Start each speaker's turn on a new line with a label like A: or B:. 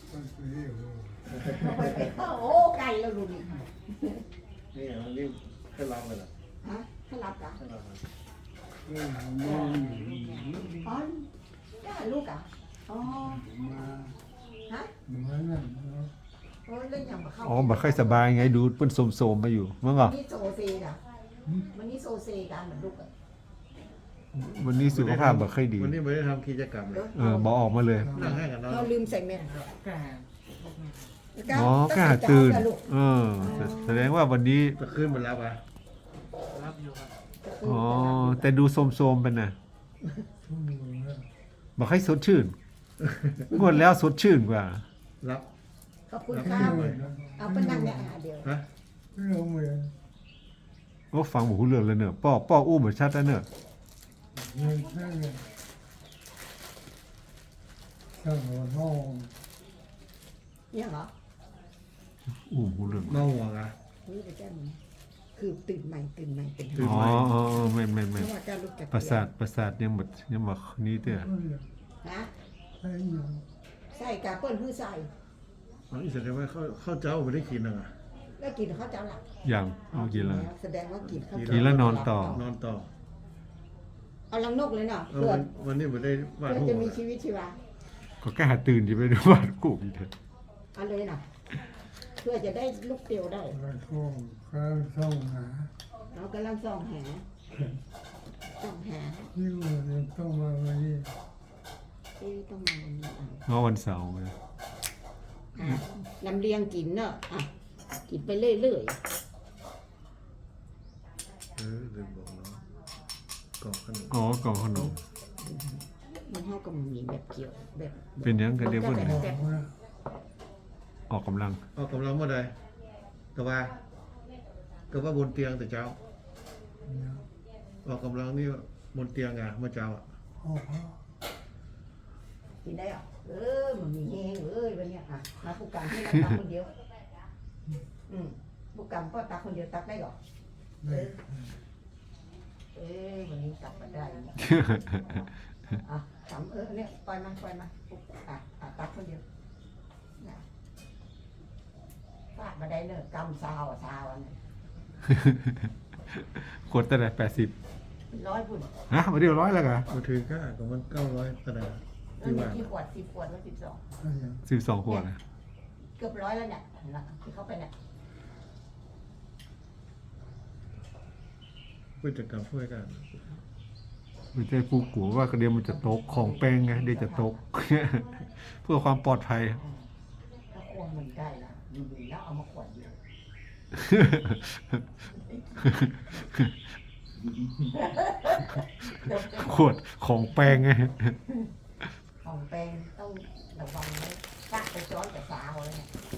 A: โอ้ไก่แล้วดูนี่
B: นี่มันนี่ขึ้นรับเลยเหรอ
A: ฮะถ้ารับกัน
B: ขึ้นรับ
A: อ๋อได้ลูกอ่ะอ๋อฮะโอ้เล่นอย่างมาเข้า
C: อ๋อบ่ค่อยสบายไงดูเพิ่นโสมๆมาอยู่มั้งเหรอ
A: นี่โซเซกันมันนี่โซเซกันเหมือนลูกอ่ะ
C: วันนี้สุขภาพบ่ค่อยดี
B: วันนี้ไม่ได้ทำกิจกรรมเลย
C: บ่ออกมาเลย
B: นั่งให้กันเนาะ
A: เราลืมใส่แมส
C: อ๋อกล้าตื่นแสดงว่าวันนี้
B: จะขึ้นไปรับอ่ะ
C: อ๋อแต่ดูโสมๆเป็นน่ะบ่ค่อยสดชื่นงวดแล้วสดชื่นกว่า
B: รับ
A: ขอบคุณครับเอาไปนั่งเนี่ยเดี๋ยว
B: ฮะ
C: โอ้ฟังบ่ฮู้เรื่องเลยเนอะป้ออู้บ่ชัดแล้วเนอะ
A: เนี่ยเหรอ
C: อู้บ่ฮู้เรื่อง
B: เมาหัวอ่ะ
A: นี่ไปแก้มึงคือตื่นใหม่เป็น
C: อ๋อแม่น
A: เพราะว่าการลูกจาก
C: ประสาทยังบ่นี้เด้อ
A: ฮะใส่กาเปิ้ลคือใส่
B: อ๋ออีแสดงว่าข้าวเจ้าไม่ได้กินอ่ะ
A: แล้วกินเขาจะหลับ
C: ยังเอากินแล้ว
A: แสดงว่ากินเขา
C: กินแล้วนอนต่อ
B: นอนต่อ
A: เอาลังนกเลยเนาะ
B: เออ
A: เพื่อ
B: วันนี้ไม่ได้วาด
A: เพื่อ
B: รู
A: จะ
B: ป
A: มีชีวิตชีวา
C: ก็กล้าตื่นสิไปดูบ้านกูอีกเถอะ
A: เอาเลยเนาะเพื่อจะได้ลูกเตียวได้เรากำลังส่องหาส่องหาต้องมาวันนี้
C: เมื่อวันเสาร์ไง
A: ลำเลียงกินเนาะอ่ะกินไปเรื่อย
B: ลืมบอกเนาะกล่องขนม
C: อ๋อกล่องขนม
A: ๆมันเท่ากับมันมีแบบเกี่ยวแบบ
C: เป็นหยังกันเดียวเพิ่น
A: แบบ
C: ออกกำลัง
B: ออกกำลังเมื่อใดก็ว่าบนเตียงแต่เจ้าออกกำลังนี่บนเตียงอ่ะเมื่อเจ้าอ่ะ
A: กินได้อ่ะมันมีแห้งวันเนี้ยอ่ะมาผู้การให้เราตักคนเดียวผู้การก็ตักคนเดียวตักได้หรอวันนี้ตักมาได้อ่ะทำเนี่ยปล่อยมาตักคนเดียวฟาดมาได้เนอะกำซาวเนี่ย
C: กดตั้งแต่80
A: 100พุ่น
C: ฮะมาเดียว100แล้วกะ
B: มาถือค่าของมัน900ตะนา
A: แล้ว
B: ที่
A: มี
B: ว่า
A: กี่ขวด10 ขวดแล้ว
C: 12ขวดนะ
A: เกือบ100แล้วเนี่ยที่เขาไปเนี่ย
B: ผู้จัดการช่วยกัน
C: ไม่ใช่ผู้กลัวว่าเดี๋ยวมันจะตกของแป้งไงเดี๋ยวจะตก เพื่อความปลอดภัย
A: ถ้าควงมันได้นะอยู่ๆแล้วเอามาขวดเดียว
C: ขวดของแป้งไง
A: ของแปลงต้องระวังนะกะไปซ้อนกับสาวเลยเนี่ย